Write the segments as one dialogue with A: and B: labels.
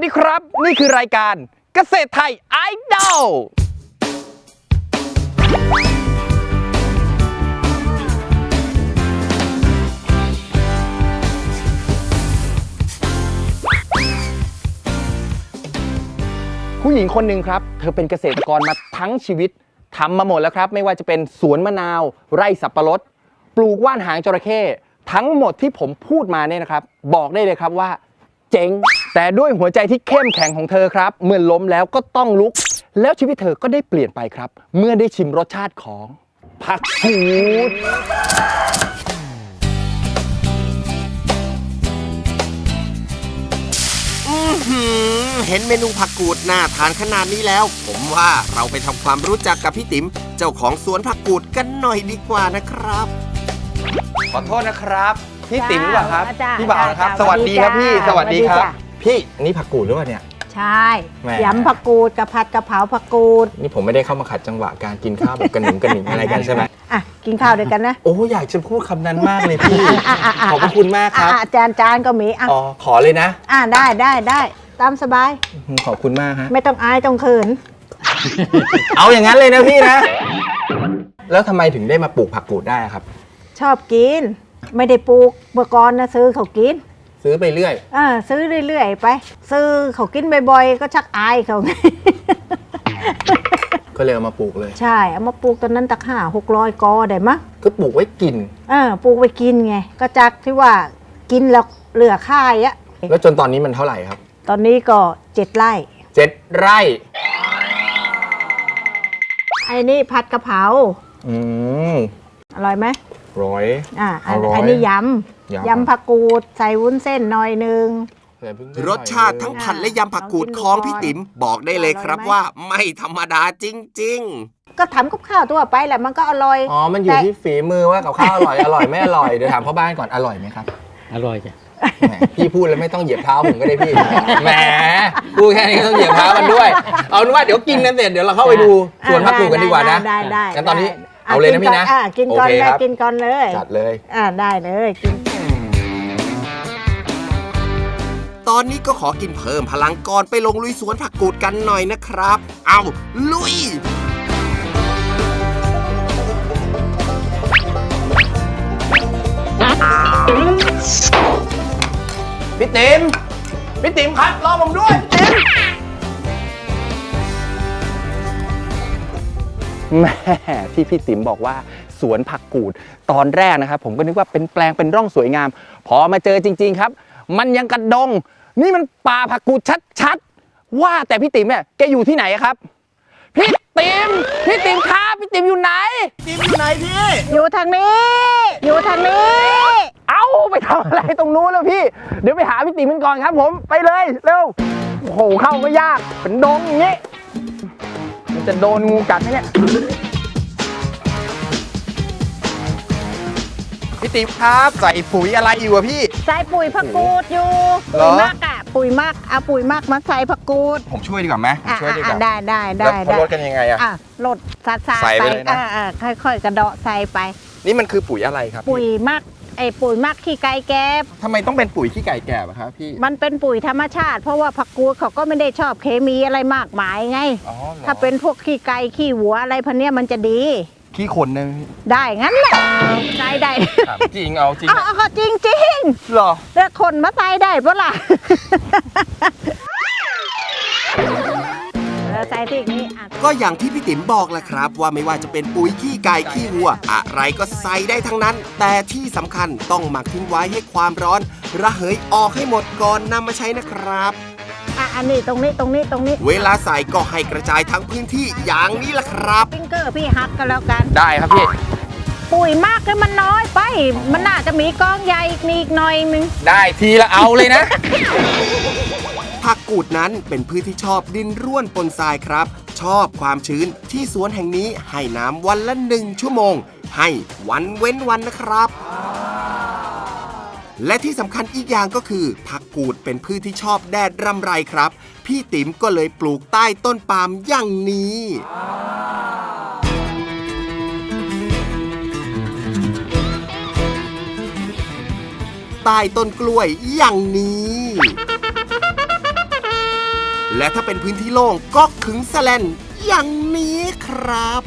A: ดีครับนี่คือรายการเกษตรไทยไอดอลผู้หญิงคนหนึ่งครับเธอเป็นเกษตรกรมาทั้งชีวิตทำมาหมดแล้วครับไม่ว่าจะเป็นสวนมะนาวไร่สับปะรดปลูกว่านหางจระเข้ทั้งหมดที่ผมพูดมาเนี่ยนะครับบอกได้เลยครับว่าเจ๋งแต่ด้วยหัวใจที่เข้มแข็งของเธอครับเมื่อล้มแล้วก็ต้องลุกแล้วชีวิตเธอก็ได้เปลี่ยนไปครับเมื่อได้ชิมรสชาติของผักกูด
B: เห็นเมนูผักกูดน่าทานขนาดนี้แล้วผมว่าเราไปทำความรู้จักกับพี่ติ๋มเจ้าของสวนผักกูดกันหน่อยดีกว่านะครับ
A: ขอโทษนะครับพี่ติ๋มหรือเปล่าครับ
C: จ้า
A: พี่บ่าวนะครับสวัสดีครับพี่สวัสดีครับพี่นี่ผักกูดหรือเปล่าเนี่ย
C: ใช่ยำผักกูดกับผัดกะเพราผักกูด
A: นี่ผมไม่ได้เข้ามาขัดจังหวะการกินข้าวแบบกระหนึ่งกระหนึ่งอะไรกันใช่ไหม
C: อ่ะกินข้าวด้วยกันนะ
A: โอ้อยากจะพูดคำนั้นมากเลยพี่ขอบคุณมากครับ
C: จานก็มี
A: อ๋อขอเลยนะ
C: ได้ตามสบาย
A: ขอบคุณมากฮะ
C: ไม่ต้องอายต้องเขิน
A: เอาอย่างนั้นเลยนะพี่นะแล้วทำไมถึงได้มาปลูกผักกูดได้ครับ
C: ชอบกินไม่ได้ปลูกเมื่อก่อนนะซื้อเขากิน
A: ซื้อไปเรื่อย
C: ซื้อเรื่อยๆไปซื้อเขากินบ่อยๆก็ชักอายเขาไง
A: ก็เลยเอามาปลูกเลย
C: ใช่เอามาปลูกตอนนั้นตัก500-600 กอได้มั้ย
A: ก็ปลูกไว้กิน
C: ปลูกไว้กินไงก็จากที่ว่ากินแล้วเหลือค่ายอะ
A: แล้วจนตอนนี้มันเท่าไหร่ครับ
C: ตอนนี้ก็7 ไร่
A: 7 ไร่
C: ไอ้นี่ผัดกะเพราอร่อยไหมอันนี้ยำผักกูดใส่วุ้นเส้นหน่อยนึง
B: รสชาติทั้งผัดและยำผักกูดของพี่ติ๋มบอกได้เลยครับว่าไม่ธรรมดาจริง
C: ๆก็ทำกับข้าวทั่วไปแหละมันก็อร่อย
A: มันอยู่ที่ฝีมือว่ากับข้าวอร่อยไม่อร่อยเดี๋ยวถามพ่อบ้านก่อนอร่อยไหมครับ
D: อร่อยจ้ะ
A: พี่พูดแล้วไม่ต้องเหยียบเท้าผมก็ได้พี่แหมพูดแค่นี้ก็ต้องเหยียบเท้ามันด้วยเอาเป็นว่าเดี๋ยวกินกันเสร็จเดี๋ยวเราเข้าไปดูสวนผักกูดกันดีกว่านะ
C: ได้
A: งั้นตอนนี้เอาเลยนะพี่นะ
C: กินก่อนเลยกินก่อนเลย
A: จัดเลย
C: ได้เลยกิน
B: ตอนนี้ก็ขอกินเพิ่มพลังก่อนไปลงลุยสวนผักกูดกันหน่อยนะครับเอาลุย
A: พี่ติ๋มครับรอผมด้วยแม่ที่พี่ติ๋มบอกว่าสวนผักกูดตอนแรกนะครับผมก็นึกว่าเป็นแปลงเป็นร่องสวยงามพอมาเจอจริงๆครับมันยังกระดงนี่มันป่าผักกูดชัดๆว่าแต่พี่ติ๋มเนี่ยแกอยู่ที่ไหนครับพี่ติ๋มครับพี่ติ๋มอยู่ไหน
B: พี่
C: อยู่ทางนี้
A: เอ้าไปทำอะไรตรงนู้นแล้วพี่เดี๋ยวไปหาพี่ติ๋มกันก่อนครับผมไปเลยเร็วโอ้โหเข้าไม่ยากเป็นดงอย่างนี้มันจะโดนงูกัดไหมเนี่ยพี่ติ๋มครับใส่ปุ๋ยอะไรอยู่อะพี่
C: ใส่ปุ๋ยผักกูดอยู่ปุ๋ยมากปุ๋ยมากเอาปุ๋ยมากมาใส่ผักกูด
A: ผมช่วยดีกว่าไหมช่วยดีกว่า
C: ได้
A: แล้วลดกันยังไงอะ
C: ลดใส่ไปเลยนะค่อยๆกระเดาะใส่ไป
A: นี่มันคือปุ๋ยอะไรครับ
C: ปุ๋ยมากปุ๋ยมากขี้ไก่แกบ
A: ทำไมต้องเป็นปุ๋ยขี้ไก่แกบครับพี่
C: มันเป็นปุ๋ยธรรมชาติเพราะว่าผักกูดเขาก็ไม่ได้ชอบเคมีอะไรมากมายไงถ้าเป็นพวกขี้ไก่ขี้วัวอะไรพันนี้มันจะดี
A: ขี้คน
C: ได้งั้นแหละใส่ได้
A: จริงเอาจริง
C: ก็จริง
A: หรอ
C: แล้วคนมาใส่ได้ปะล่ะใส่ที่นี้
B: ก็อย่างที่พี่ติ๋มบอกแหละครับว่าไม่ว่าจะเป็นปุ๋ยขี้ไก่ขี้วัวอะไรก็ใส่ได้ทั้งนั้นแต่ที่สำคัญต้องหมักทิ้งไว้ให้ความร้อนระเหยออกให้หมดก่อนนำมาใช้นะครับ
C: อันนี้ตรงนี้
B: เวลาใส่ก็ให้กระจายทั้งพื้นที่อย่างนี้แหละครับ
C: ฟิงเกอร์พี่ฮักกันแล้วกัน
A: ได้ครับพี่
C: ปุ๋ยมากเลยมันน้อยไปมันน่าจะมีกองใหญ่อีกหน่อยนึง
A: ได้ทีละเอาเลยนะ
B: ผักกูดนั้นเป็นพืชที่ชอบดินร่วนปนทรายครับชอบความชื้นที่สวนแห่งนี้ให้น้ำวันละ1 ชั่วโมงให้วันเว้นวันนะครับและที่สำคัญอีกอย่างก็คือผักกูดเป็นพืชที่ชอบแดดรำไรครับพี่ติ๋มก็เลยปลูกใต้ต้นปาล์มอย่างนี้ใต้ต้นกล้วยอย่างนี้และถ้าเป็นพื้นที่โล่งก็ขึงแสแลนอย่างนี้ครับ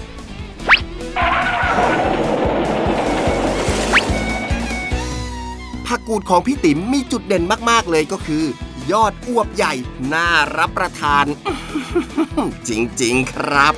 B: ผักกูดของพี่ติ๋มมีจุดเด่นมากๆเลยก็คือยอดอวบใหญ่น่ารับประทาน จริงๆครับ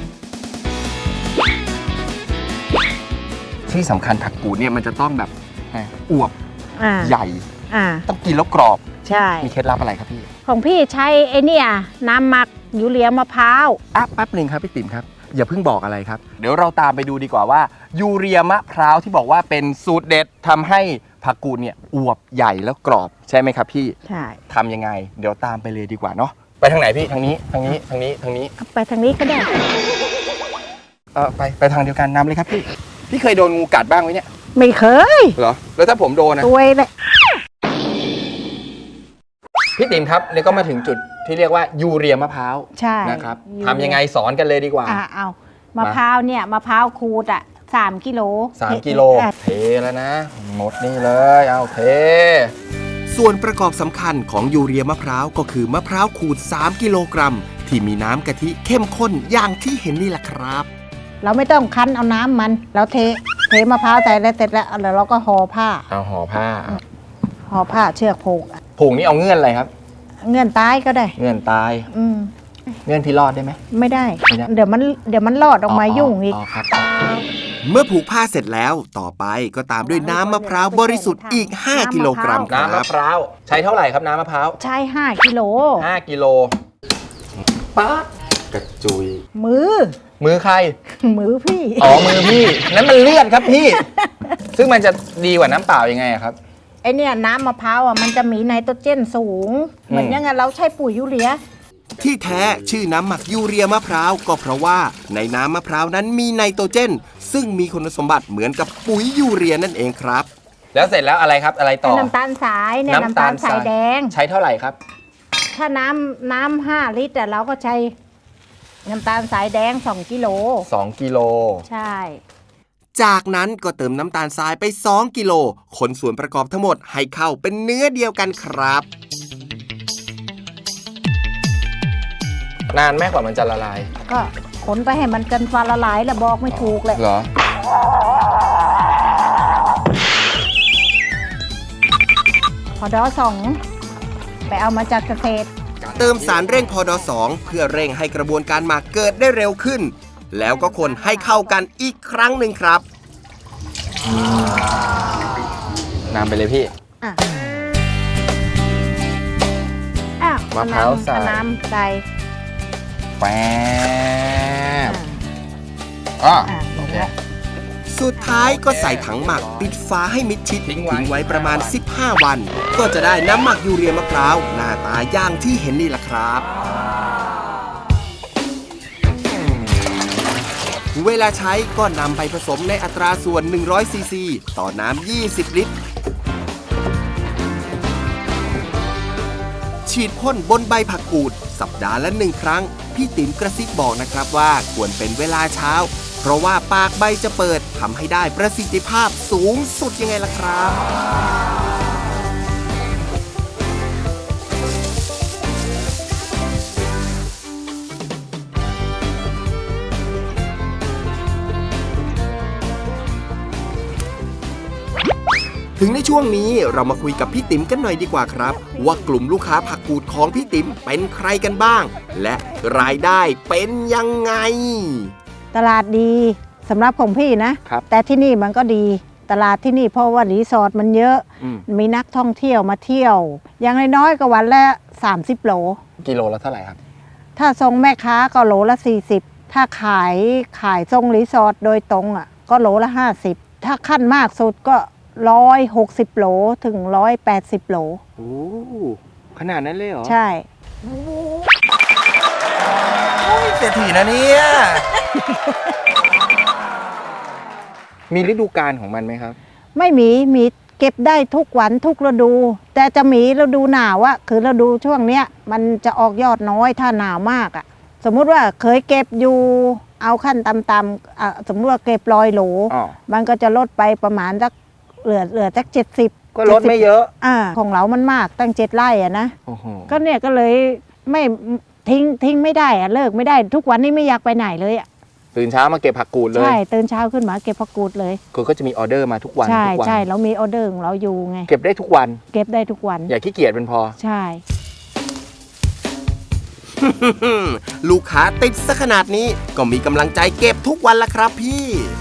A: ที่สำคัญผักกูดเนี่ยมันจะต้องแบบอวบ ใหญ่ ต้องกินแล้วกรอบ
C: ใช่
A: มีเคล็ดลับอะไรครับพี่
C: ของพี่ใช้ไอ้เนี่ยน้ำหมักยูเรียมะพร้าว
A: แป๊บหนึ่งครับพี่ติ๋มครับอย่าเพิ่งบอกอะไรครับเดี๋ยวเราตามไปดูดีกว่าว่ายูเรียมะพร้าวที่บอกว่าเป็นสูตรเด็ดทำให้ผักกูดเนี่ยอวบใหญ่แล้วกรอบใช่ไหมครับพี่
C: ใช่
A: ทำยังไงเดี๋ยวตามไปเลยดีกว่าเนาะไปทางไหนพี่ทางนี้ทางนี้ทางนี้ทางนี้
C: ไปทางนี้ก็ได้
A: ไปทางเดียวกันนำเลยครับพี่เคยโดนงูกัดบ้างไหมเนี่ย
C: ไม่เคย
A: เหรอแล้วถ้าผมโดนนะ
C: ตัวเลย
A: พี่ติ๋มครับแล้วก็มาถึงจุดที่เรียกว่ายูเรียมะพร้าว
C: ใช่
A: นะครับทำยังไงสอนกันเลยดีกว่า
C: เอามะพร้าวเนี่ยมะพร้าวขูด3 กิโล
A: 3 กิโลเทแล้วนะหมดนี่เลยเอาเท
B: ส่วนประกอบสำคัญของยูเรียมะพร้าวก็คือมะพร้าวขูด3 กิโลกรัมที่มีน้ำกะทิเข้มข้นอย่างที่เห็นนี่แหละครับ
C: เราไม่ต้องคั้นเอาน้ำมันเราเทมะพร้าวใส่แล้วเสร็จแล้วเราก็ห่อผ้า
A: เอาห่อผ้า
C: เชือกผูก
A: ผูกนี่เอาเงื่อนอะไรครับ
C: เงื่อนตายก็ได้
A: เงื่อนตายเงื่อนพี่รอดได้ไหม
C: ไม่ได้
A: ไม่ได้
C: เดี๋ยวมันรอดออกมายุ่งอีก
A: ครับ
B: เมื่อผูกผ้าเสร็จแล้วต่อไปก็ตามด้วยน้ำมะพร้าวบริสุทธิ์อีก 5 กิโลกรัมค
A: น้ำ
B: รั
A: มะ
B: บ
A: พร้าวใช้เท่าไหร่ครับน้ำมะพร้าว
C: ใช้5 กิโล
A: 5 กิโลป๊าดกระจุย
C: มือ
A: ใคร
C: มือพี่
A: อ๋อมือพี่นั้นมันเลือดครับพี่ ซึ่งมันจะดีกว่าน้ำเปล่ายังไงอะครับ
C: ไอเนี่ยน้ำมะพร้าวมันจะมีไนโตรเจนสูง เหมือนยังไงเราใช้ปุ๋ยยูเรีย
B: ที่แท้ชื่อน้ำหมักยูเรียมะพร้าวก็เพราะว่าในน้ำมะพร้าวนั้นมีไนโตรเจน ซึ่งมีคุณสมบัติเหมือนกับปุ๋ยยูเรียนั่นเองครับ
A: แล้วเสร็จแล้วอะไรครับอะไรต่อ
C: น้ำตาลสายเนี่ยน้ำตาลสายแดง
A: ใช้เท่าไหร่ครับ
C: ถ้าน้ำ5 ลิตรเราก็ใช้น้ำตาลสายแดง2 กิโล
A: 2 กิโล
C: ใช่
B: จากนั้นก็เติมน้ำตาลทรายไป2 กิโลคนส่วนประกอบทั้งหมดให้เข้าเป็นเนื้อเดียวกันครับ
A: นานแม่กว่ามันจะละลาย
C: ก็ขนไปให้มันกันฟ้าละลายแล้วบอกไม่ถูกเลย
A: เหรอ
C: พอดอ2ไปเอามาจากเกษตร
B: เติมสารเร่งพอด2เพื่อเร่งให้กระบวนการหมักเกิดได้เร็วขึ้น แล้วก็คนให้เข้ากันอีกครั้งหนึ่งครับ
A: นำไปเลยพี่ มะพร้าวใส่
C: น้ำใส่
A: แป๊บอ๋อโอเค
B: สุดท้ายก็ใส่ถังหมักปิดฝาให้มิดชิดทิ้งไว้ประมาณ 15 วัน ก็จะได้น้ำหมักยูเรียมะพร้าวหน้าตาอย่างที่เห็นนี่แหละครับ เวลาใช้ก็นำไปผสมในอัตราส่วน100ซีซีต่อน้ำ20 ลิตร ฉีดพ่นบนใบผักกูดสัปดาห์ละ1 ครั้ง พี่ติ๋มกระซิบบอกนะครับว่าควรเป็นเวลาเช้า เพราะว่าปากใบจะเปิดทำให้ได้ประสิทธิภาพสูงสุดยังไงล่ะครับ ถึงในช่วงนี้เรามาคุยกับพี่ติ๋มกันหน่อยดีกว่าครับ ว่ากลุ่มลูกค้าผักกูดของพี่ติ๋มเป็นใครกันบ้าง และรายได้เป็นยังไง
C: ตลาดดีสำหรับของพี่นะ
A: ครับ
C: แต่ที่นี่มันก็ดีตลาดที่นี่เพราะว่ารีสอร์ทมันเยอะ มีนักท่องเที่ยวมาเที่ยว อย่างน้อยๆก็วันละ30 โหล
A: กิโลละเท่าไหร่ครับ
C: ถ้าส่งแม่ค้าก็โหลละ40ถ้าขายส่งรีสอร์ทโดยตรงก็โหลละ50ถ้าขั้นมากสุดก็160 โหลถึง180 โหล
A: โอ้ขนาดนั้นเลยเหรอ
C: ใช่
A: เศรษฐีนะเนี่ย มีฤดูกาลของมันไหมครับ
C: ไม่มีเก็บได้ทุกวันทุกฤดู แต่จะมีฤดูหนาวคือฤดูช่วงเนี้ยมันจะออกยอดน้อยถ้าหนาวมากสมมุติว่าเคยเก็บอยู่เอาขั้นต่ำๆสมมติว่าเก็บ100 โหล มันก็จะลดไปประมาณสักเหลือสัก70
A: ก็ลดไม่เยอะ
C: ของเรามันมากตั้ง7 ไร่นะ
A: โอ้โห
C: ก็เนี่ยก็เลยไม่ทิ้งไม่ได้อะเลิกไม่ได้ทุกวันนี้ไม่อยากไปไหนเลยอะ
A: ตื่นเช้ามาเก็บผักกูดเลย
C: ใช่ตื่นเช้าขึ้นมาเก็บผักกูดเลย
A: คือก็จะมีออเดอร์มาทุกวัน
C: ใช่
A: ทุกวั
C: ใช่เรามีออเดอร์ของเราอยู่ไง
A: เก็บได้ทุกวัน
C: เก็บได้ทุกวัน
A: อย่าขี้เกียจเป็นพอ
C: ใช่
B: ลูกค้าติดซะขนาดนี้ก็มีกำลังใจเก็บทุกวันละครับพี่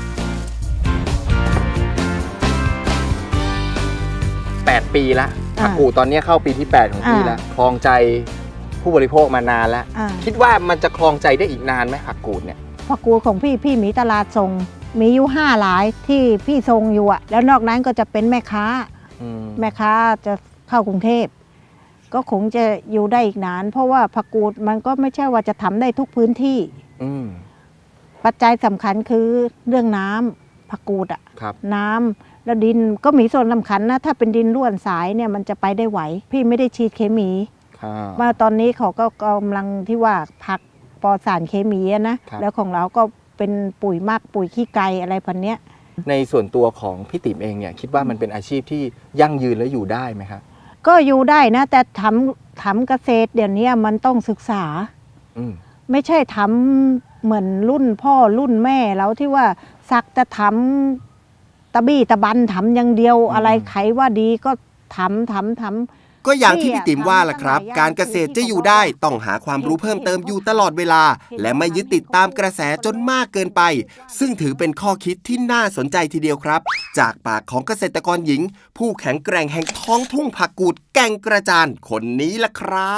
A: 8 ปีละผักกูดตอนนี้เข้าปีที่ 8 ของพี่แล้วครองใจผู้บริโภคมานานแล้ว คิดว่ามันจะครองใจได้อีกนานไหมผักกูดเนี่ย
C: ผักกูดของพี่มีตลาดส่งมีอยู่5หลายที่พี่ส่งอยู่อะแล้วนอกนั้นก็จะเป็นแม่ค้า แม่ค้าจะเข้ากรุงเทพก็คงจะอยู่ได้อีกนาน เพราะว่าผักกูดมันก็ไม่ใช่ว่าจะทำได้ทุกพื้นที่ปัจจัยสำคัญคือเรื่องน้ำผักกูดอะน้ำแล้วดินก็มีส่วนสำคัญนะถ้าเป็นดินร่วนสายเนี่ยมันจะไปได้ไหวพี่ไม่ได้ฉีดเคมีมาตอนนี้เขาก็กำลังที่ว่าผักปลอดสารเคมีนะแล้วของเราก็เป็นปุ๋ยหมักปุ๋ยขี้ไก่อะไรพันเนี้ย
A: ในส่วนตัวของพี่ติ๋มเองเนี่ยคิดว่ามันเป็นอาชีพที่ยั่งยืนและอยู่ได้ไหมครับ
C: ก็อยู่ได้นะแต่ทำเกษตรเดี๋ยวนี้มันต้องศึกษาไม่ใช่ทำเหมือนรุ่นพ่อรุ่นแม่แล้วที่ว่าสักจะทำตะบี้ตะบันทำอย่างเดียวอะไรใครว่าดีก็ทำ
B: ก็อย่างที่พี่ติ๋มว่าล่ะครับการเกษตรจะอยู่ได้ต้องหาความรู้เพิ่มเติมอยู่ตลอดเวลาและไม่ยึดติดตามกระแสจนมากเกินไปซึ่งถือเป็นข้อคิดที่น่าสนใจทีเดียวครับจากปากของเกษตรกรหญิงผู้แข็งแกร่งแห่งท้องทุ่งผักกูดแก่งกระจานคนนี้ล่ะครับ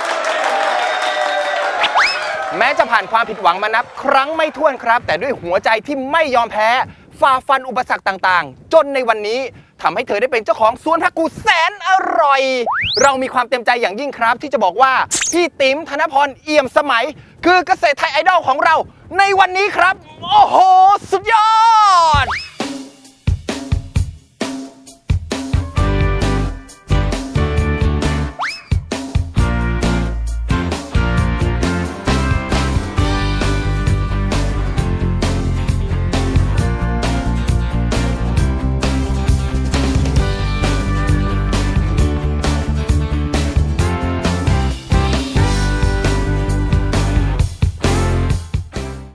A: แม้จะผ่านความผิดหวังมานับครั้งไม่ถ้วนครับแต่ด้วยหัวใจที่ไม่ยอมแพ้ฝ่าฟันอุปสรรคต่างๆจนในวันนี้ทำให้เธอได้เป็นเจ้าของสวนผักกูดแสนอร่อยเรามีความเต็มใจอย่างยิ่งครับที่จะบอกว่าพี่ติ๋มธนพรเอี่ยมสมัยคือเกษตรไทยไอดอลของเราในวันนี้ครับโอ้โหสุดยอด